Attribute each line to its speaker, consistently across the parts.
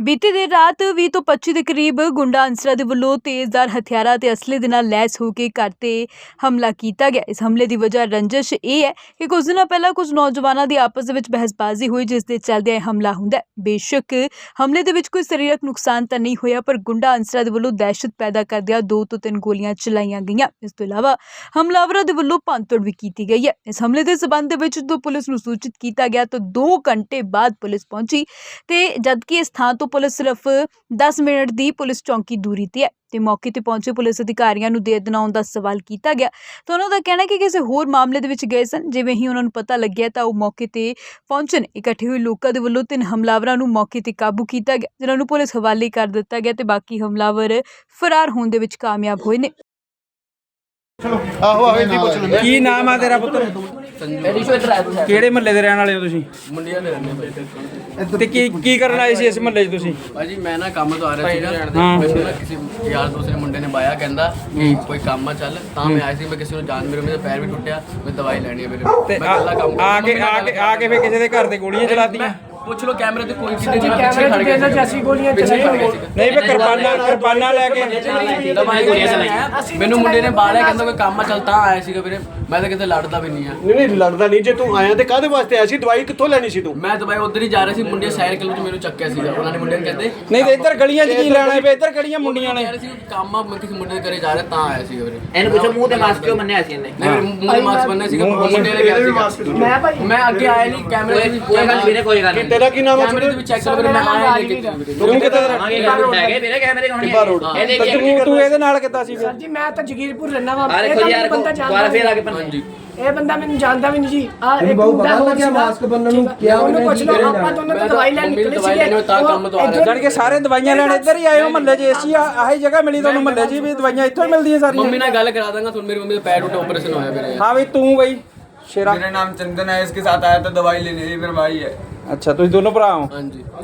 Speaker 1: ਬੀਤੀ ਦੇਰ ਰਾਤ 20 ਤੋਂ 25 ਦੇ ਕਰੀਬ ਗੁੰਡਾ ਅਨਸਰਾਂ ਦੇ ਵੱਲੋਂ ਤੇਜ਼ਧਾਰ ਹਥਿਆਰਾਂ ਤੇ ਅਸਲੇ ਦੇ ਨਾਲ ਲੈਸ ਹੋ ਕੇ ਘਰ ਤੇ ਹਮਲਾ ਕੀਤਾ ਗਿਆ। ਇਸ ਹਮਲੇ ਦੀ ਵਜ੍ਹਾ ਰੰਜਿਸ਼ ਇਹ ਹੈ ਕਿ ਕੁਝ ਦਿਨਾਂ ਪਹਿਲਾਂ ਕੁਝ ਨੌਜਵਾਨਾਂ ਦੀ ਆਪਸ ਦੇ ਵਿੱਚ ਬਹਿਸਬਾਜ਼ੀ ਹੋਈ, ਜਿਸ ਦੇ ਚੱਲਦਿਆਂ ਇਹ ਹਮਲਾ ਹੁੰਦਾ ਹੈ। ਬੇਸ਼ੱਕ ਹਮਲੇ ਦੇ ਵਿੱਚ ਕੋਈ ਸਰੀਰਕ ਨੁਕਸਾਨ ਤਾਂ ਨਹੀਂ ਹੋਇਆ, ਪਰ ਗੁੰਡਾ ਅਨਸਰਾਂ ਦੇ ਵੱਲੋਂ ਦਹਿਸ਼ਤ ਪੈਦਾ ਕਰਦਿਆਂ 2 ਤੋਂ 3 ਗੋਲੀਆਂ ਚਲਾਈਆਂ ਗਈਆਂ। ਇਸ ਤੋਂ ਇਲਾਵਾ ਹਮਲਾਵਰਾਂ ਦੇ ਵੱਲੋਂ ਭੰਨਤੋੜ ਵੀ ਕੀਤੀ ਗਈ ਹੈ। ਇਸ ਹਮਲੇ ਦੇ ਸਬੰਧ ਦੇ ਵਿੱਚ ਜਦੋਂ ਪੁਲਿਸ ਨੂੰ ਸੂਚਿਤ ਕੀਤਾ ਗਿਆ ਤਾਂ 2 ਘੰਟੇ ਬਾਅਦ ਪੁਲਿਸ ਪਹੁੰਚੀ ਤੇ ਜਦਕਿ ਇਸ ਥਾਂ ਤੋਂ ਪੁਲਿਸ ਸਿਰਫ 10 ਮਿੰਟ ਦੀ ਪੁਲਿਸ ਚੌਂਕੀ ਦੂਰੀ ਤੇ ਹੈ ਤੇ ਮੌਕੇ ਤੇ ਪਹੁੰਚੇ ਪੁਲਿਸ ਅਧਿਕਾਰੀਆਂ ਨੂੰ ਦੇਰ ਦਿਨਾਉਣ ਦਾ ਸਵਾਲ ਕੀਤਾ ਗਿਆ ਤਾਂ ਉਹਨਾਂ ਦਾ ਕਹਿਣਾ ਹੈ ਕਿ ਕਿਸੇ ਹੋਰ ਮਾਮਲੇ ਦੇ ਵਿੱਚ ਗਏ ਸਨ। ਜਿਵੇਂ ਹੀ ਉਹਨਾਂ ਨੂੰ ਪਤਾ ਲੱਗਿਆ ਤਾਂ ਉਹ ਮੌਕੇ ਤੇ ਪਹੁੰਚਣ। ਇਕੱਠੇ ਹੋਏ ਲੋਕਾਂ ਦੇ ਵੱਲੋਂ 3 ਹਮਲਾਵਰਾਂ ਨੂੰ ਮੌਕੇ ਤੇ ਕਾਬੂ ਕੀਤਾ ਗਿਆ, ਜਿਨ੍ਹਾਂ ਨੂੰ ਪੁਲਿਸ ਹਵਾਲੇ ਕਰ ਦਿੱਤਾ ਗਿਆ ਤੇ ਬਾਕੀ ਹਮਲਾਵਰ ਫਰਾਰ ਹੋਣ ਦੇ ਵਿੱਚ ਕਾਮਯਾਬ ਹੋਏ ਨੇ।
Speaker 2: ਕੀ ਨਾਮ ਆ ਤੇਰਾ ਪੁੱਤਰ? ਕਿਹੜੇ ਮਹੱਲੇ ਦੇ ਰਹਿਣ ਵਾਲੇ ਹੋ ਤੁਸੀਂ?
Speaker 3: ਮੁੰਡਿਆਂ ਦੇ ਰਹਿੰਦੇ
Speaker 2: ਤੇ ਕੀ ਕਰਨ ਆਏ ਸੀ ਇਸ ਮਹੱਲੇ 'ਚ ਤੁਸੀਂ?
Speaker 3: ਭਾਜੀ ਮੈਂ ਨਾ ਕੰਮ ਤੋਂ ਆ ਰਿਹਾ ਸੀਗਾ, ਮੈਨੂੰ ਨਾ ਕਿਸੇ ਯਾਰ ਦੋਸਤ ਨੇ ਮੁੰਡੇ ਨੇ ਬਾਇਆ, ਕਹਿੰਦਾ ਕਿ ਕੋਈ ਕੰਮ ਆ ਚੱਲ, ਤਾਂ ਮੈਂ ਆਇਆ ਸੀ। ਮੈਂ ਕਿਸੇ ਨੂੰ ਜਾਣ, ਮੇਰਾ ਪੈਰ ਵੀ ਟੁੱਟਿਆ, ਮੈਂ ਦਵਾਈ ਲੈਣੀ ਹੈ ਮੇਰੇ।
Speaker 2: ਤੇ ਆ ਕੇ ਫੇ ਕਿਸੇ ਦੇ ਘਰ ਤੇ ਗੋਲੀਆਂ ਚਲਾਤੀਆਂ?
Speaker 3: ਪੁੱਛ ਲੋ ਕੈਮਰੇ ਤੇ ਕੋਈ ਕਿਤੇ ਪਿੱਛੇ ਖੜ ਗਿਆ ਸੀ, ਗੋਲੀਆਂ ਚਲਾਈਆਂ।
Speaker 2: ਨਹੀਂ ਵੇ ਕਿਰਪਾਨਾਂ ਲੈ ਕੇ
Speaker 3: ਦਵਾਈ ਗੋਲੀਆਂ ਚਲਾਈਆਂ। ਮੈਨੂੰ ਮੁੰਡੇ ਨੇ ਬਾਲਿਆ, ਕਹਿੰਦਾ ਕੋਈ ਕੰਮ ਆ ਚੱਲ, ਤਾਂ ਆਇਆ ਸੀਗਾ ਵੀਰੇ। ਮੈਂ ਤਾਂ ਕਿਤੇ ਲੜਦਾ ਵੀ ਨਹੀਂ ਆ।
Speaker 4: ਨਹੀਂ ਲੜਦਾ ਨਹੀਂ। ਜੇ ਤੂੰ ਆਇਆ ਤੇ ਕਾਹਦੇ ਵਾਸਤੇ ਆਇਆ ਸੀ? ਦਵਾਈ ਕਿੱਥੋਂ ਲੈਣੀ ਸੀ ਤੂੰ?
Speaker 3: ਮੈਂ ਦਵਾਈ ਉਧਰ ਹੀ ਜਾ ਰਿਹਾ ਸੀ, ਮੁੰਡੇ ਸਾਈਡ ਕਿਲੋ ਚ ਮੈਨੂੰ ਚੱਕਿਆ ਸੀਗਾ ਉਹਨਾਂ ਨੇ। ਮੁੰਡੇ ਨੇ ਕਹਿੰਦੇ
Speaker 2: ਨਹੀਂ ਤੇ ਇੱਧਰ ਗਲੀਆਂ 'ਚ ਕੀ ਲੈਣਾ ਵੇ? ਇੱਧਰ ਕਿਹੜੀਆਂ ਮੁੰਡੀਆਂ ਨੇ?
Speaker 3: ਕੰਮ ਆ, ਮੈਂ ਕਿਸੇ ਮੁੰਡੇ ਦੇ ਘਰੇ ਜਾ ਰਿਹਾ ਤਾਂ ਆਇਆ ਸੀਗਾ ਵੀਰੇ।
Speaker 5: ਇਹਨੂੰ ਪੁੱਛੋ ਮੂੰਹ ਤੇ ਮਾਸਕ ਕਿਉਂ ਬੰਨਿਆ ਸੀ ਇਹਨੇ?
Speaker 3: ਨਹੀਂ ਮੂੰਹ ਤੇ ਮਾਸਕ ਬੰਨਿਆ ਸੀਗਾ, ਮੁੰਡੇ ਨੇ ਕਿਹਾ ਸੀਗਾ। ਮੈਂ ਅੱਗੇ ਆਇਆ ਨਹੀਂ, ਕੈਮਰੇ ਦੇ ਵਿੱਚ
Speaker 5: ਕੋਈ ਗੱਲ ਵੀਰੇ, ਕੋਈ ਗੱਲ ਨਹੀਂ।
Speaker 4: ਤੇਰਾ ਕੀ ਨਾਮ ਹੈ?
Speaker 3: ਕੈਮਰੇ ਦੇ ਵਿੱਚ ਚੈੱਕ ਕਰੋ ਵੀਰੇ, ਮੈਂ ਆਇਆ ਨਹੀਂ ਕਿਤੇ ਵੀਰੇ।
Speaker 2: ਤੂੰ ਕਿੱਥੇ
Speaker 5: ਹੈਗੇ ਵੀਰੇ ਕੈਮਰੇ ਕੋਲ
Speaker 4: ਟਿੱਬਾ
Speaker 2: ਤੂੰ ਇਹਦੇ ਨਾਲ ਕਿੱਦਾਂ ਸੀ?
Speaker 6: ਜੀ ਮੈਂ ਤਾਂ ਜਗੀਰਪੁਰ ਰਹਿਣਾ ਵਾ।
Speaker 5: ਅਰੇ ਕੋਈ ਯਾਰ ਦੁਬਾਰਾ ਫੇਰ ਆ ਕੇ ਬੰਨ।
Speaker 6: ਇਹ ਬੰਦਾ ਮੈਨੂੰ ਜਾਣਦਾ ਵੀ ਨਹੀਂ ਜੀ। ਆ ਇੱਕ ਮੁੰਡਾ ਹੋ ਗਿਆ ਮਾਸਕ ਬੰਨਣ ਨੂੰ, ਕਿਹਾ ਉਹਨੂੰ ਪੁੱਛ ਲਓ। ਆਪਾਂ ਦੋਨੋਂ ਤਾਂ ਦਵਾਈ ਲੈਣ ਨਿਕਲੇ ਸੀਗੇ,
Speaker 3: ਤਾਂ ਕੰਮ ਤੋਂ ਆ ਰਿਹਾ।
Speaker 2: ਜਾਣ ਕੇ ਸਾਰੇ ਦਵਾਈਆਂ ਲੈਣ ਇੱਧਰ ਹੀ ਆਏ ਹੋ ਮਹੱਲੇ 'ਚ? ਏਸੀ ਆਹੀ ਜਗ੍ਹਾ ਮਿਲੀ ਤੁਹਾਨੂੰ ਮਹੱਲੇ 'ਚ ਵੀ? ਦਵਾਈਆਂ ਇੱਥੋਂ ਹੀ ਮਿਲਦੀਆਂ ਸਾਰੀਆਂ?
Speaker 3: ਮੰਮੀ ਨਾਲ ਗੱਲ ਕਰਾ ਦਾਂਗਾ ਤੁਹਾਨੂੰ। ਮੇਰੀ ਮੰਮੀ ਦਾ ਪੈਰ ਟੁੱਟਾ, ਆਪਰੇਸ਼ਨ ਹੋਇਆ ਵੀਰੇ।
Speaker 2: हाँ भाई, तू भाई शेरा?
Speaker 7: मेरा नाम चंदन है, इसके साथ आया था दवाई लेने, ये मेरा भाई है।
Speaker 2: अच्छा, तुम दोनों भरा हो?
Speaker 3: हाँ जी।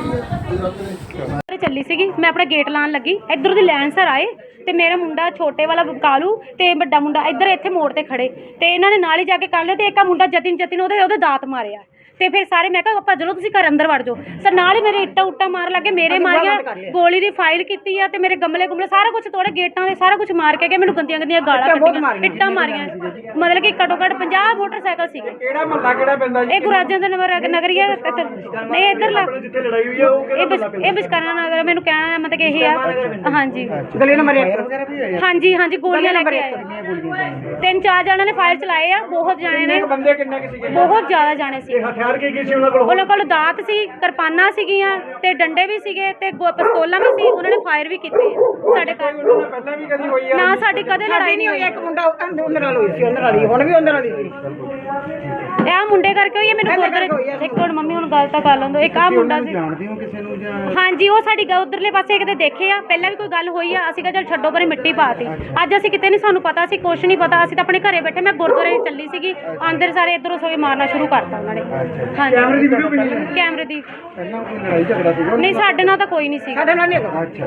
Speaker 8: ਚੱਲੀ ਸੀਗੀ ਮੈਂ ਆਪਣਾ ਗੇਟ ਲਾਉਣ ਲੱਗੀ, ਇੱਧਰ ਦੀ ਲੈਣ ਸਰ ਆਏ ਤੇ ਮੇਰਾ ਮੁੰਡਾ ਛੋਟੇ ਵਾਲਾ ਕਾਲੂ ਤੇ ਵੱਡਾ ਮੁੰਡਾ ਇੱਧਰ ਇੱਥੇ ਮੋੜ ਤੇ ਖੜੇ ਤੇ ਇਹਨਾਂ ਨੇ ਨਾਲ ਹੀ ਜਾ ਕੇ ਕਰ ਲਿਆ ਤੇ ਇੱਕ ਆ ਮੁੰਡਾ ਜਤਿਨ ਉਹਦੇ ਦਾਤ ਮਾਰਿਆ ਤੇ ਫਿਰ ਸਾਰੇ ਮੈਂ ਕਿਹਾ ਭੱਜ ਲਓ ਤੁਸੀਂ ਘਰ ਅੰਦਰ ਵੜ ਜਾਓ। ਸਰ ਨਾਲ ਹੀ ਮੇਰੇ ਇੱਟਾਂ ਮਾਰ ਲੱਗੇ, ਮੇਰੇ ਮਾਰੀਆਂ, ਗੋਲੀ ਦੀ ਫਾਈਲ ਕੀਤੀ ਆ ਤੇ ਮੇਰੇ ਗਮਲੇ ਸਾਰਾ ਕੁਝ ਤੋੜੇ, ਗੇਟਾਂ ਦੇ ਸਾਰਾ ਕੁਝ ਮਾਰ ਕੇ ਮੈਨੂੰ ਗੰਦੀਆਂ ਗਾਲਾਂ ਕੱਢੀਆਂ, ਇੱਟਾਂ ਮਾਰੀਆਂ। ਮਤਲਬ ਕਿ ਘੱਟੋ ਘੱਟ 50 ਮੋਟਰਸਾਈਕਲ ਸੀਗੇ।
Speaker 2: ਕਿਹੜਾ ਮਹੱਲਾ ਕਿਹੜਾ ਪੈਂਦਾ ਜੀ?
Speaker 8: ਇਹ ਗੁਰਾਜਾਂ ਦਾ ਨਗਰੀਆ ਨਹੀਂ ਇੱਧਰਲਾ, ਇਹ ਬਿਸ਼ਕਾਨਾ ਨਗਰ। ਮੈਨੂੰ ਕਹਿਣਾ ਮਤਲਬ ਕਿ ਇਹ ਆ। ਹਾਂਜੀ
Speaker 6: ਗਲੀ ਨੰਬਰ 1
Speaker 8: ਹਾਂਜੀ ਗੋਲੀਆਂ ਲੈ ਕੇ ਆਏ। 3-4 ਜਣਾਂ ਨੇ ਫਾਇਰ ਚਲਾਏ ਆ, ਬਹੁਤ ਜਾਣੇ ਨੇ,
Speaker 2: ਬੰਦੇ ਕਿੰਨੇ ਕਿ ਸੀਗੇ?
Speaker 8: ਬਹੁਤ ਜ਼ਿਆਦਾ ਜਾਣੇ ਸੀ।
Speaker 4: ਹਥਿਆਰ ਕੀ ਸੀ ਉਹਨਾਂ ਕੋਲ?
Speaker 8: ਉਹਨਾਂ ਕੋਲ ਦਾਤ ਸੀ, ਕਿਰਪਾਨਾਂ ਸੀਗੀਆਂ ਤੇ ਡੰਡੇ ਵੀ ਸੀਗੇ ਤੇ ਪਿਸਤੌਲਾਂ ਵੀ ਸੀ। ਉਹਨਾਂ ਨੇ ਫਾਇਰ ਵੀ ਕੀਤੇ ਆ ਸਾਡੇ ਘਰ।
Speaker 2: ਪਹਿਲਾਂ ਵੀ ਕਦੀ ਹੋਈ ਆ?
Speaker 8: ਨਾ ਸਾਡੀ ਕਦੇ ਲੜਾਈ ਨਹੀਂ ਹੋਈ।
Speaker 6: ਇੱਕ ਮੁੰਡਾ ਉਹਨਾਂ ਨਾਲ ਹੋਈ ਸੀ, ਉਹਨਾਂ ਨਾਲ ਹੀ, ਹੁਣ ਵੀ ਉਹਨਾਂ ਨਾਲ ਹੀ ਸੀ।
Speaker 8: ਇਹ ਮੁੰਡੇ ਕਰਕੇ ਹੋਈ ਹੈ। ਮੈਨੂੰ ਗੁਰਦੁਆਰੇ ਇੱਕ ਮਿੰਟ ਮੰਮੀ ਹੁਣ ਗੱਲ ਤਾਂ ਕਰ ਲੈਂਦੋ। ਇੱਕ ਆ ਮੁੰਡਾ ਸੀ।
Speaker 4: ਜਾਣਦੇ ਹੋ ਕਿਸੇ ਨੂੰ ਜਾਂ?
Speaker 8: ਹਾਂਜੀ, ਉਹ ਸਾਡੀ ਉਧਰਲੇ ਪਾਸੇ ਕਿਤੇ ਦੇਖੇ ਆ, ਪਹਿਲਾਂ ਵੀ ਕੋਈ ਗੱਲ ਹੋਈ ਆ। ਅਸੀਂ ਕਿਹਾ ਚੱਲ ਛੱਡੋ ਪਰੇ, ਮਿੱਟੀ ਪਾਤੀ। ਅੱਜ ਅਸੀਂ ਕਿਤੇ ਨਹੀਂ, ਸਾਨੂੰ ਪਤਾ ਸੀ ਕੁਛ ਨਹੀਂ ਪਤਾ। ਅਸੀਂ ਤਾਂ ਆਪਣੇ ਘਰੇ ਬੈਠੇ, ਮੈਂ ਗੁਰਦੁਆਰੇ ਚੱਲੀ ਸੀਗੀ, ਅੰਦਰ ਸਾਰੇ ਇੱਧਰੋਂ ਸੋਏ ਮਾਰਨਾ ਸ਼ੁਰੂ ਕਰਤਾ ਉਹਨਾਂ ਨੇ। ਹਾਂਜੀ
Speaker 4: ਕੈਮਰੇ ਦੀ ਵੀਡੀਓ ਬਣੀ ਹੈ?
Speaker 8: ਕੈਮਰੇ ਦੀ
Speaker 4: ਪਹਿਲਾਂ ਕੋਈ ਲੜਾਈ ਝਗੜਾ ਸੀਗਾ?
Speaker 8: ਨਹੀਂ, ਸਾਡੇ ਨਾਲ ਤਾਂ ਕੋਈ ਨਹੀਂ ਸੀ।
Speaker 6: ਸਾਡੇ ਨਾਲ ਨਹੀਂ ਹੈਗਾ।
Speaker 4: ਅੱਛਾ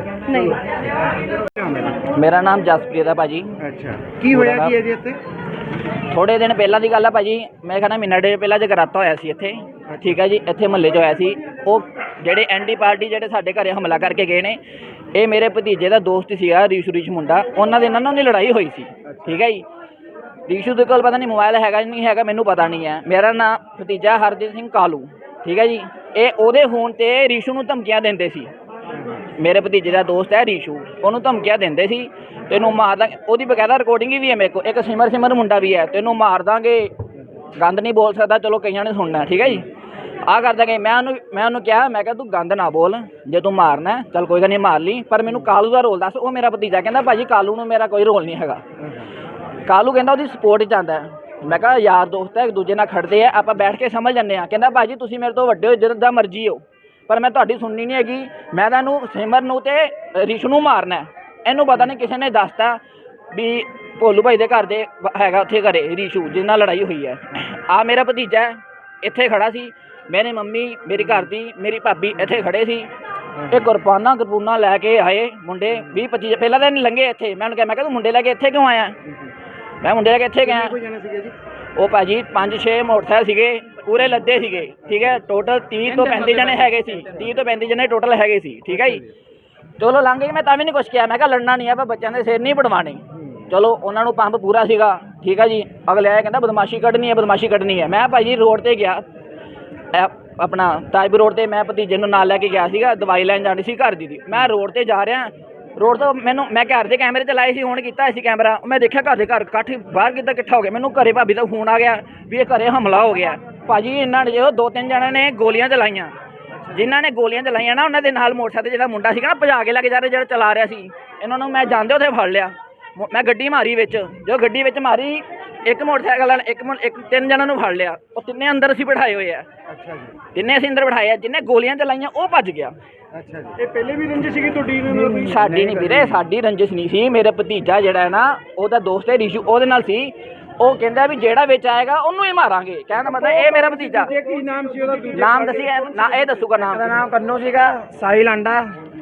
Speaker 8: ਨਹੀਂ।
Speaker 5: ਮੇਰਾ ਨਾਮ ਜਸਪ੍ਰੀਤ ਹੈ ਭਾਜੀ।
Speaker 4: ਅੱਛਾ, ਕੀ ਹੋਇਆ ਕੀ ਹੈ ਜੀ ਇੱਥੇ?
Speaker 5: ਥੋੜੇ ਦਿਨ ਪਹਿਲਾਂ ਦੀ ਗੱਲ ਹੈ ਭਾਜੀ, ਮੈਂ ਕਹਿੰਦਾ ਮਹੀਨਾ ਡੇਢ ਪਹਿਲਾਂ ਜਗਰਾਤਾ ਹੋਇਆ ਸੀ ਇੱਥੇ, ਠੀਕ ਹੈ ਜੀ। ਇੱਥੇ ਮਹੱਲੇ 'ਚ ਹੋਇਆ ਸੀ। ਉਹ ਜਿਹੜੇ ਐਂਟੀ ਪਾਰਟੀ ਜਿਹੜੇ ਸਾਡੇ ਘਰੇ ਹਮਲਾ ਕਰਕੇ ਗਏ ਨੇ, ਇਹ ਮੇਰੇ ਭਤੀਜੇ ਦਾ ਦੋਸਤ ਸੀਗਾ, ਰੀਸ਼ ਮੁੰਡਾ। ਉਹਨਾਂ ਦੇ ਨਾਲ ਲੜਾਈ ਹੋਈ ਸੀ, ਠੀਕ ਹੈ ਜੀ। ਰੀਸ਼ੂ ਦੇ ਕੋਲ ਪਤਾ ਨਹੀਂ ਮੋਬਾਈਲ ਹੈਗਾ ਨਹੀਂ ਹੈਗਾ, ਮੈਨੂੰ ਪਤਾ ਨਹੀਂ ਹੈ। ਮੇਰਾ ਨਾਮ ਭਤੀਜਾ ਹਰਜੀਤ ਸਿੰਘ ਕਾਲੂ, ਠੀਕ ਹੈ ਜੀ। ਇਹ ਉਹਦੇ ਫੋਨ 'ਤੇ ਰੀਸ਼ੂ ਨੂੰ ਧਮਕੀਆਂ ਦਿੰਦੇ ਸੀ। ਮੇਰੇ ਭਤੀਜੇ ਦਾ ਦੋਸਤ ਹੈ ਰੀਸ਼ੂ, ਉਹਨੂੰ ਧਮਕੀਆਂ ਦਿੰਦੇ ਸੀ, ਤੈਨੂੰ ਮਾਰ ਦਾਂਗੇ। ਉਹਦੀ ਬਕਾਇਦਾ ਰਿਕਾਰਡਿੰਗ ਵੀ ਹੈ ਮੇਰੇ ਕੋਲ। ਇੱਕ ਸਿਮਰ ਮੁੰਡਾ ਵੀ ਹੈ, ਤੈਨੂੰ ਮਾਰ ਦਾਂਗੇ, ਗੰਦ ਨਹੀਂ ਬੋਲ ਸਕਦਾ, ਚਲੋ ਕਈਆਂ ਨੇ ਸੁਣਨਾ, ਠੀਕ ਹੈ ਜੀ। ਆਹ ਕਰ ਦਾਂਗੇ। ਮੈਂ ਉਹਨੂੰ ਕਿਹਾ, ਮੈਂ ਕਿਹਾ ਤੂੰ ਗੰਦ ਨਾ ਬੋਲ, ਜੇ ਤੂੰ ਮਾਰਨਾ ਚੱਲ ਕੋਈ ਗੱਲ ਨਹੀਂ ਮਾਰ ਲਈ, ਪਰ ਮੈਨੂੰ ਕਾਲੂ ਦਾ ਰੋਲ ਦੱਸ। ਉਹ ਮੇਰਾ ਭਤੀਜਾ ਕਹਿੰਦਾ ਭਾਜੀ ਕਾਲੂ ਨੂੰ ਮੇਰਾ ਕੋਈ ਰੋਲ ਨਹੀਂ ਹੈਗਾ। ਕਾਲੂ ਕਹਿੰਦਾ ਉਹਦੀ ਸਪੋਰਟ 'ਚ ਆਉਂਦਾ। ਮੈਂ ਕਿਹਾ ਯਾਰ ਦੋਸਤ ਹੈ, ਇੱਕ ਦੂਜੇ ਨਾਲ ਖੜਦੇ ਆ, ਆਪਾਂ ਬੈਠ ਕੇ ਸਮਝ ਜਾਂਦੇ ਹਾਂ। ਕਹਿੰਦਾ ਭਾਜੀ ਤੁਸੀਂ ਮੇਰੇ ਤੋਂ ਵੱਡੇ ਹੋ, ਜਿੱਦਾਂ ਮਰਜ਼ੀ ਹੋ, ਪਰ ਮੈਂ ਤੁਹਾਡੀ ਸੁਣਨੀ ਨਹੀਂ ਹੈਗੀ। ਮੈਂ ਤਾਂ ਇਹਨੂੰ ਸਿਮਰ ਨੂੰ ਤੇ ਰਿਸ਼ ਨੂੰ ਮਾਰਨਾ। ਇਹਨੂੰ ਪਤਾ ਨਹੀਂ ਕਿਸੇ ਨੇ ਦੱਸਤਾ ਵੀ ਭੋਲੂ ਭਾਈ ਦੇ ਘਰ ਦੇ ਹੈਗਾ ਉੱਥੇ ਘਰੇ ਰੀਸ਼ੂ, ਜਿਹਦੇ ਨਾਲ ਲੜਾਈ ਹੋਈ ਹੈ। ਆ ਮੇਰਾ ਭਤੀਜਾ ਇੱਥੇ ਖੜਾ ਸੀ, ਮੇਰੇ ਮੰਮੀ, ਮੇਰੀ ਘਰ ਦੀ, ਮੇਰੀ ਭਾਬੀ ਇੱਥੇ ਖੜੇ ਸੀ। ਇਹ ਕਿਰਪਾਨਾਂ ਲੈ ਕੇ ਆਏ ਮੁੰਡੇ 20-25 ਪਹਿਲਾਂ ਤਾਂ ਨਹੀਂ ਲੰਘੇ ਇੱਥੇ। ਮੈਂ ਉਹਨੂੰ ਕਿਹਾ, ਮੈਂ ਕਿਹਾ ਤੂੰ ਮੁੰਡੇ ਲੈ ਕੇ ਇੱਥੇ ਕਿਉਂ ਆਇਆ? ਮੈਂ ਮੁੰਡੇ ਲੈ ਕੇ ਇੱਥੇ ਗਿਆ। ਉਹ ਭਾਜੀ 5-6 ਮੋਟਰਸਾਈਕਲ ਸੀਗੇ ਪੂਰੇ ਲੱਦੇ ਸੀਗੇ, ਠੀਕ ਹੈ। ਟੋਟਲ 30 ਤੋਂ 35 ਜਣੇ ਹੈਗੇ ਸੀ, 30 ਤੋਂ 35 ਜਣੇ ਟੋਟਲ ਹੈਗੇ ਸੀ, ਠੀਕ ਹੈ ਜੀ। ਚਲੋ ਲੰਘ ਗਏ, ਮੈਂ ਤਾਂ ਵੀ ਨਹੀਂ ਕੁਛ ਕਿਹਾ, ਮੈਂ ਕਿਹਾ ਲੜਨਾ ਨਹੀਂ ਆਪਾਂ ਬੱਚਿਆਂ ਦੇ ਸਿਰ ਨਹੀਂ ਪੜਵਾਣੇ। ਚਲੋ ਉਹਨਾਂ ਨੂੰ ਪੰਪ ਪੂਰਾ ਸੀਗਾ, ਠੀਕ ਹੈ ਜੀ। ਅਗਲੇ ਆਇਆ ਕਹਿੰਦਾ ਬਦਮਾਸ਼ੀ ਕੱਢਣੀ ਹੈ, ਬਦਮਾਸ਼ੀ ਕੱਢਣੀ ਹੈ। ਮੈਂ ਭਾਜੀ ਰੋਡ ਤੇ ਗਿਆ, ਆਪਣਾ ਤਾਜਪੁਰ ਰੋਡ ਤੇ, ਮੈਂ ਭਤੀਜੇ ਨੂੰ ਨਾਲ ਲੈ ਕੇ ਗਿਆ ਸੀਗਾ, ਦਵਾਈ ਲੈਣ ਜਾਣੀ ਸੀ ਘਰ ਦੀ। ਮੈਂ ਰੋਡ ਤੇ ਜਾ ਰਿਹਾ, ਰੋਡ ਤੋਂ ਮੈਂ ਘਰ ਦੇ ਕੈਮਰੇ ਚਲਾਏ ਸੀ, ਹੁਣ ਕੀਤਾ ਸੀ ਕੈਮਰਾ, ਮੈਂ ਦੇਖਿਆ ਘਰ ਦੇ ਘਰ ਇਕੱਠ ਬਾਹਰ ਕਿੱਦਾਂ ਇਕੱਠਾ ਹੋ ਗਿਆ। ਮੈਨੂੰ ਘਰੇ ਭਾਬੀ ਦਾ ਫੋਨ ਆ ਗਿਆ ਵੀ ਇਹ ਘਰੇ ਹਮਲਾ ਹੋ ਗਿਆ। ਭਾਜੀ ਇਹਨਾਂ ਨੇ ਜੋ 2-3 ਜਣਿਆਂ ਨੇ ਗੋਲੀਆਂ ਚਲਾਈਆਂ, ਜਿਨ੍ਹਾਂ ਨੇ ਗੋਲੀਆਂ ਚਲਾਈਆਂ ਨਾ ਉਹਨਾਂ ਦੇ ਨਾਲ ਮੋਟਰਸਾਈਕਲ ਜਿਹੜਾ ਮੁੰਡਾ ਸੀਗਾ ਨਾ ਭਜਾ ਕੇ ਲੈ ਕੇ ਜਾ ਰਿਹਾ, ਜਿਹੜਾ ਚਲਾ ਰਿਹਾ ਸੀ। ਇਹਨਾਂ ਨੂੰ ਮੈਂ ਜਾਂਦੇ ਉੱਥੇ ਫੜ ਲਿਆ, ਮੈਂ ਗੱਡੀ ਮਾਰੀ ਵਿੱਚ, ਜੋ ਗੱਡੀ ਵਿੱਚ ਮਾਰੀ ਇੱਕ ਮੋਟਰਸਾਈਕਲ ਵਾਲਾ ਇੱਕ 3 ਜਣਾਂ ਨੂੰ ਫੜ ਲਿਆ। ਉਹ ਤਿੰਨੇ ਅੰਦਰ ਅਸੀਂ ਬਿਠਾਏ ਹੋਏ ਆ।
Speaker 4: ਅੱਛਾ ਜੀ,
Speaker 5: ਤਿੰਨੇ ਅਸੀਂ ਅੰਦਰ ਬਿਠਾਏ ਆ। ਜਿਹਨੇ ਗੋਲੀਆਂ ਚਲਾਈਆਂ ਉਹ ਭੱਜ ਗਿਆ।
Speaker 4: ਅੱਛਾ ਜੀ। ਇਹ ਪਹਿਲੇ ਵੀ ਰੰਜਿਸ਼ ਸੀਗੀ ਤੁਹਾਡੀ ਇਹਨਾਂ ਨਾਲ ਕੋਈ?
Speaker 5: ਸਾਡੀ ਨਹੀਂ ਵੀਰੇ, ਸਾਡੀ ਰੰਜਿਸ਼ ਨਹੀਂ ਸੀ। ਮੇਰੇ ਭਤੀਜਾ ਜਿਹੜਾ ਹੈ ਨਾ, ਉਹਦਾ ਦੋਸਤ ਹੈ ਰਿਸ਼ੂ, ਉਹਦੇ ਨਾਲ ਸੀ। ਉਹ ਕਹਿੰਦਾ ਵੀ ਜਿਹੜਾ ਵਿੱਚ ਆਏਗਾ ਉਹਨੂੰ ਹੀ ਮਾਰਾਂਗੇ। ਕਹਿਣ ਦਾ ਮਤਲਬ ਇਹ ਮੇਰਾ ਭਤੀਜਾ।
Speaker 4: ਕੀ ਨਾਮ ਸੀ ਉਹਦਾ?
Speaker 5: ਨਾਮ ਦੱਸਿਆ ਨਾ, ਇਹ ਦੱਸੂਗਾ ਨਾਮ।
Speaker 6: ਉਹਦਾ ਨਾਮ ਕੰਨੂ ਸੀਗਾ, ਸਾਹਿਲ ਆਂਡਾ,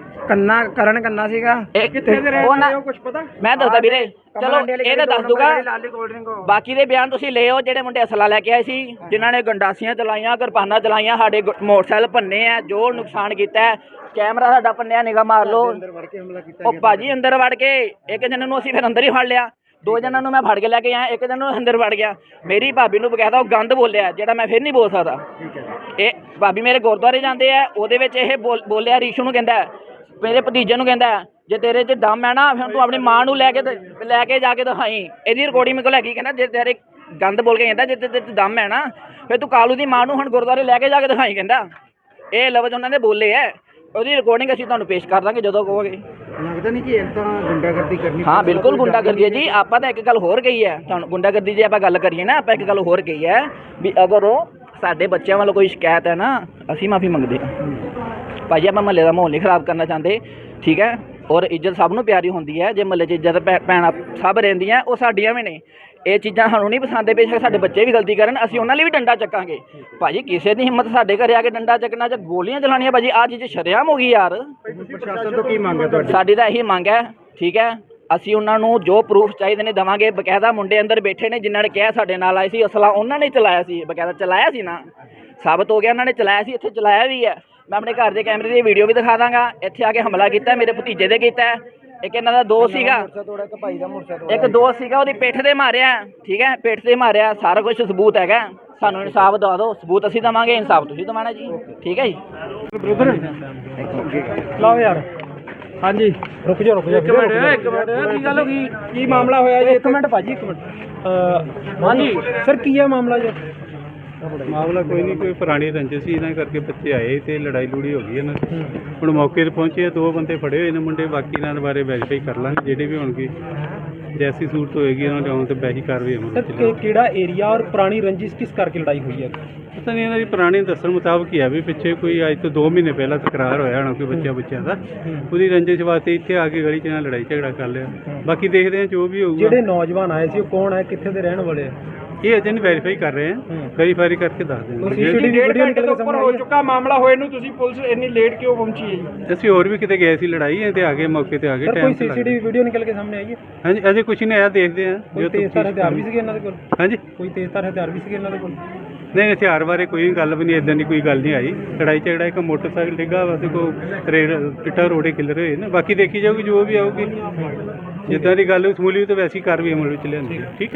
Speaker 6: ਕਰਨ ਕੰਨਾ ਸੀਗਾ।
Speaker 4: ਕਿੱਥੇ ਦੇ ਰਹਿਣ ਵਾਲੇ ਹੋ, ਕੁਝ ਪਤਾ?
Speaker 5: ਮੈਂ ਦੱਸਦਾ ਵੀਰੇ, ਚਲੋ ਇਹ ਤਾਂ ਦੱਸ ਦੂਗਾ। ਬਾਕੀ ਦੇ ਬਿਆਨ ਤੁਸੀਂ ਲਿਓ। ਜਿਹੜੇ ਮੁੰਡੇ ਅਸਲਾ ਲੈ ਕੇ ਆਏ ਸੀ, ਜਿਨ੍ਹਾਂ ਨੇ ਗੰਡਾਸੀਆਂ ਚਲਾਈਆਂ, ਕਿਰਪਾਨਾਂ ਚਲਾਈਆਂ, ਸਾਡੇ ਮੋਟਰਸਾਈਕਲ ਭੰਨੇ ਆ, ਜੋ ਨੁਕਸਾਨ ਕੀਤਾ ਹੈ, ਕੈਮਰਾ ਸਾਡਾ ਭੰਨਿਆ, ਨਿਗਾਹ ਮਾਰ ਲਓ। ਉਹ ਭਾਜੀ ਅੰਦਰ ਵੜ ਕੇ ਇੱਕ ਜਣੇ ਨੂੰ ਅਸੀਂ ਫਿਰ ਅੰਦਰ ਹੀ ਫੜ ਲਿਆ, 2 ਜਣਾਂ ਨੂੰ ਮੈਂ ਫੜ ਕੇ ਲੈ ਕੇ ਆਇਆ, ਇੱਕ ਜਣ ਨੂੰ ਅੰਦਰ ਵੜ ਗਿਆ। ਮੇਰੀ ਭਾਬੀ ਨੂੰ ਬਕਾਇਦਾ ਉਹ ਗੰਦ ਬੋਲਿਆ ਜਿਹੜਾ ਮੈਂ ਫਿਰ ਨਹੀਂ ਬੋਲ ਸਕਦਾ। ਇਹ ਭਾਬੀ ਮੇਰੇ ਗੁਰਦੁਆਰੇ ਜਾਂਦੇ ਆ, ਉਹਦੇ ਵਿੱਚ ਇਹ ਬੋਲਿਆ ਰੀਸ਼ੂ ਨੂੰ, ਕਹਿੰਦਾ ਮੇਰੇ ਭਤੀਜੇ ਨੂੰ, ਕਹਿੰਦਾ ਜੇ ਤੇਰੇ 'ਚ ਦਮ ਹੈ ਨਾ ਫਿਰ ਤੂੰ ਆਪਣੀ ਮਾਂ ਨੂੰ ਲੈ ਕੇ ਜਾ ਕੇ ਦਿਖਾਈ। ਇਹਦੀ ਰਿਕਾਰਡਿੰਗ ਮੇਰੇ ਕੋਲ ਹੈਗੀ। ਕਹਿੰਦਾ ਜੇ ਤੇਰੇ ਗੰਦ ਬੋਲ ਕੇ, ਕਹਿੰਦਾ ਜੇ ਤੇਰੇ 'ਚ ਦਮ ਹੈ ਨਾ ਫਿਰ ਤੂੰ ਕਾਲੂ ਦੀ ਮਾਂ ਨੂੰ ਹੁਣ ਗੁਰਦੁਆਰੇ ਲੈ ਕੇ ਜਾ ਕੇ ਦਿਖਾਈ। ਕਹਿੰਦਾ ਇਹ ਲਫ਼ਜ਼ ਉਹਨਾਂ ਨੇ ਬੋਲੇ ਹੈ। ਉਹਦੀ ਰਿਕਾਰਡਿੰਗ ਅਸੀਂ ਤੁਹਾਨੂੰ ਪੇਸ਼ ਕਰ ਦਾਂਗੇ ਜਦੋਂ ਕਹੋਗੇ।
Speaker 4: ਲੱਗਦਾ ਨਹੀਂ ਕਿ ਇਹ ਤਾਂ ਗੁੰਡਾਗਰਦੀ ਕਰਨੀ?
Speaker 5: ਹਾਂ ਬਿਲਕੁਲ ਗੁੰਡਾਗਰਦੀ ਹੈ ਜੀ। ਆਪਾਂ ਤਾਂ ਇੱਕ ਗੱਲ ਹੋਰ ਕਹੀ ਹੈ ਤੁਹਾਨੂੰ, ਗੁੰਡਾਗਰਦੀ ਜੇ ਆਪਾਂ ਗੱਲ ਕਰੀਏ ਨਾ, ਆਪਾਂ ਇੱਕ ਗੱਲ ਹੋਰ ਕਹੀ ਹੈ ਵੀ ਅਗਰ ਸਾਡੇ ਬੱਚਿਆਂ ਵੱਲੋਂ ਕੋਈ ਸ਼ਿਕਾਇਤ ਹੈ ਨਾ, ਅਸੀਂ ਮਾਫੀ ਮੰਗਦੇ ਹਾਂ ਭਾਜੀ। ਆਪਾਂ ਮਹੱਲੇ ਦਾ ਮਾਹੌਲ ਨਹੀਂ ਖਰਾਬ ਕਰਨਾ ਚਾਹੁੰਦੇ, ਠੀਕ ਹੈ। ਔਰ ਇੱਜ਼ਤ ਸਭ ਨੂੰ ਪਿਆਰੀ ਹੁੰਦੀ ਹੈ। ਜੇ ਮਹੱਲੇ 'ਚ ਇੱਜ਼ਤ ਭੈਣਾਂ ਸਭ ਰਹਿੰਦੀਆਂ, ਉਹ ਸਾਡੀਆਂ ਵੀ ਨੇ। ਇਹ ਚੀਜ਼ਾਂ ਸਾਨੂੰ ਨਹੀਂ ਪਸੰਦ। ਬੇਸ਼ੱਕ ਸਾਡੇ ਬੱਚੇ ਵੀ ਗਲਤੀ ਕਰਨ, ਅਸੀਂ ਉਹਨਾਂ ਲਈ ਵੀ ਡੰਡਾ ਚੱਕਾਂਗੇ ਭਾਜੀ। ਕਿਸੇ ਦੀ ਹਿੰਮਤ ਸਾਡੇ ਘਰੇ ਆ ਕੇ ਡੰਡਾ ਚੱਕਣਾ ਜਾਂ ਗੋਲੀਆਂ ਚਲਾਉਣੀਆਂ ਭਾਜੀ, ਆਹ ਚੀਜ਼ ਸ਼ਰੇਆਮ ਹੋ ਗਈ ਯਾਰ।
Speaker 4: ਪ੍ਰਸ਼ਾਸਨ ਤੋਂ ਕੀ ਮੰਗ ਹੈ ਤੁਹਾਡੀ?
Speaker 5: ਸਾਡੀ ਤਾਂ ਇਹੀ ਮੰਗ ਹੈ, ਠੀਕ ਹੈ। ਅਸੀਂ ਉਹਨਾਂ ਨੂੰ ਜੋ ਪ੍ਰੂਫ ਚਾਹੀਦੇ ਨੇ ਦੇਵਾਂਗੇ। ਬਕਾਇਦਾ ਮੁੰਡੇ ਅੰਦਰ ਬੈਠੇ ਨੇ ਜਿਨ੍ਹਾਂ ਨੇ ਕਿਹਾ ਸਾਡੇ ਨਾਲ ਆਏ ਸੀ, ਅਸਲਾ ਉਹਨਾਂ ਨੇ ਚਲਾਇਆ ਸੀ, ਬਕਾਇਦਾ ਚਲਾਇਆ ਸੀ ਨਾ, ਸਾਬਤ ਹੋ ਗਿਆ ਉਹਨਾਂ ਨੇ ਚਲਾਇਆ ਸੀ, ਇੱਥੇ ਚਲਾਇਆ ਵੀ ਹੈ। ਮੈਂ ਆਪਣੇ ਘਰ ਦੇ ਕੈਮਰੇ ਦੀ ਵੀਡੀਓ ਵੀ ਦਿਖਾ ਦਾਂਗਾ। ਇੱਥੇ ਆ ਕੇ ਹਮਲਾ ਕੀਤਾ, ਮੇਰੇ ਭਤੀਜੇ ਦੇ ਕੀਤਾ। ਇੱਕ ਇਹਨਾਂ ਦਾ ਦੋਸਤ ਸੀਗਾ, ਇੱਕ ਦੋਸਤ ਸੀਗਾ, ਉਹਦੀ ਪਿੱਠ ਤੇ ਮਾਰਿਆ, ਠੀਕ ਹੈ, ਪਿੱਠ ਤੇ ਮਾਰਿਆ। ਸਾਰਾ ਕੁਝ ਸਬੂਤ ਹੈਗਾ। ਸਾਨੂੰ ਇਨਸਾਫ ਦਵਾ ਦਿਓ, ਸਬੂਤ ਅਸੀਂ ਦੇਵਾਂਗੇ, ਇਨਸਾਫ ਤੁਸੀਂ ਦਿਵਾਣਾ ਜੀ, ਠੀਕ ਹੈ ਜੀ।
Speaker 2: ਲਓ ਯਾਰ, ਹਾਂਜੀ ਰੁਕ ਜਾ ਇੱਕ ਮਿੰਟ ਕੀ ਗੱਲ ਹੋ ਗਈ? ਕੀ ਮਾਮਲਾ ਹੋਇਆ ਜੀ? ਇੱਕ ਮਿੰਟ ਭਾਜੀ, ਇੱਕ ਮਿੰਟ। ਹਾਂਜੀ ਸਰ, ਕੀ ਹੈ ਮਾਮਲਾ ਜੀ?
Speaker 9: ਮਾਮਲਾ ਕੋਈ ਨਹੀਂ, ਕੋਈ ਪੁਰਾਣੀ ਰੰਜਿਸ਼ ਸੀ, ਇਹਨਾਂ ਕਰਕੇ ਬੱਚੇ ਆਏ ਤੇ ਲੜਾਈ ਲੂੜੀ ਹੋ ਗਈ ਇਹਨਾਂ ਦੀ। ਹੁਣ ਮੌਕੇ ਤੇ ਪਹੁੰਚੇ, 2 ਬੰਦੇ ਫੜੇ ਹੋਏ ਨੇ ਮੁੰਡੇ। ਬਾਕੀ ਇਹਨਾਂ ਦੇ ਬਾਰੇ ਵੈਰੀਫਾਈ ਕਰ ਲਾਂਗੇ, ਜਿਹੜੇ ਵੀ ਹੋਣਗੇ ਜੈਸੀ ਸੂਰਤ ਹੋਏਗੀ ਉਹਨਾਂ ਦੇ ਆਉਣ ਤੇ ਵੈਸੀ ਕਾਰਵਾਈ ਹੋਣੀ।
Speaker 2: ਕਿਹੜਾ ਏਰੀਆ ਔਰ ਪੁਰਾਣੀ ਰੰਜਿਸ਼ ਕਿਸ ਕਰਕੇ ਲੜਾਈ ਹੋਈ ਹੈ?
Speaker 9: ਪਤਾ ਨਹੀਂ, ਇਹਨਾਂ ਦੀ ਪੁਰਾਣੀ ਦੱਸਣ ਮੁਤਾਬਕ ਹੀ ਆ ਵੀ ਪਿੱਛੇ ਕੋਈ ਅੱਜ ਤੋਂ 2 ਮਹੀਨੇ ਪਹਿਲਾਂ ਤਕਰਾਰ ਹੋਇਆ ਹੋਣਾ ਕੋਈ ਬੱਚਿਆਂ ਦਾ। ਉਹਦੀ ਰੰਜਿਸ਼ ਵਾਸਤੇ ਇੱਥੇ ਆ ਕੇ ਗਲੀ 'ਚ ਨਾਲ ਲੜਾਈ ਝਗੜਾ ਕਰ ਲਿਆ। ਬਾਕੀ ਦੇਖਦੇ ਹਾਂ ਜੋ ਵੀ ਹੋਊਗਾ।
Speaker 2: ਜਿਹੜੇ ਨੌਜਵਾਨ ਆਏ ਸੀ ਉਹ ਕੌਣ ਹੈ, ਕਿੱਥੇ ਦੇ ਰਹਿਣ ਵਾਲੇ ਆ?
Speaker 9: ਇਹ ਅਜੇ ਨਹੀਂ ਵੈਰੀਫਾਈ ਕਰ ਰਹੇ ਹਾਂ, ਵੈਰੀਫਾਈ ਕਰਕੇ ਦੱਸ ਦੇਵਾਂਗੇ।
Speaker 2: ਵੀਡੀਓ ਨਿਕਲ ਕੇ ਸਾਹਮਣੇ ਹੋ ਚੁੱਕਾ ਮਾਮਲਾ ਹੋਏ ਨੂੰ, ਤੁਸੀਂ ਪੁਲਿਸ ਇੰਨੀ ਲੇਟ ਕਿਉਂ ਪਹੁੰਚੀ ਹੈ ਜੀ?
Speaker 9: ਅਸੀਂ ਹੋਰ ਵੀ ਕਿਤੇ ਗਏ ਸੀ ਲੜਾਈ ਤੇ ਆ ਗਏ, ਮੌਕੇ ਤੇ ਆ ਗਏ।
Speaker 2: ਕੋਈ ਸੀਸੀਟੀਵੀ ਵੀਡੀਓ ਨਿਕਲ ਕੇ ਸਾਹਮਣੇ ਆਈ ਹੈ?
Speaker 9: ਹਾਂਜੀ, ਅਜੇ ਕੁਝ ਨਹੀਂ ਆਇਆ, ਦੇਖਦੇ ਹਾਂ।
Speaker 2: ਕੋਈ ਤੇਜ਼ਧਾਰ ਹਥਿਆਰ ਵੀ ਸੀਗੇ ਇਹਨਾਂ ਦੇ ਕੋਲ?
Speaker 9: ਹਾਂਜੀ,
Speaker 2: ਕੋਈ ਤੇਜ਼ਧਾਰ ਹਥਿਆਰ ਵੀ ਸੀਗੇ ਇਹਨਾਂ ਦੇ ਕੋਲ?
Speaker 9: ਨਹੀਂ, ਹਥਿਆਰ ਬਾਰੇ ਕੋਈ ਗੱਲ ਵੀ ਨਹੀਂ, ਇਦਾਂ ਦੀ ਕੋਈ ਗੱਲ ਨਹੀਂ ਆਈ। ਲੜਾਈ ਝਗੜਾ ਇੱਕ ਮੋਟਰਸਾਈਕਲ ਡਿੱਗਾ ਵਾ ਤੇ ਕੋਈ ਇੱਟਾਂ ਰੋੜੇ ਕਿੱਲਰ ਹੋਏ ਨੇ। ਬਾਕੀ ਦੇਖੀ ਜਾਊਗੀ ਜੋ ਵੀ ਆਊਗੀ, ਜਿੱਦਾਂ ਦੀ ਗੱਲ ਸਮੂਲੀ ਤਾਂ ਵੈਸੀ ਕਾਰਵਾਈ ਅਮਲ ਵਿੱਚ ਲਿਆਂਦੀ, ਠੀਕ ਹੈ।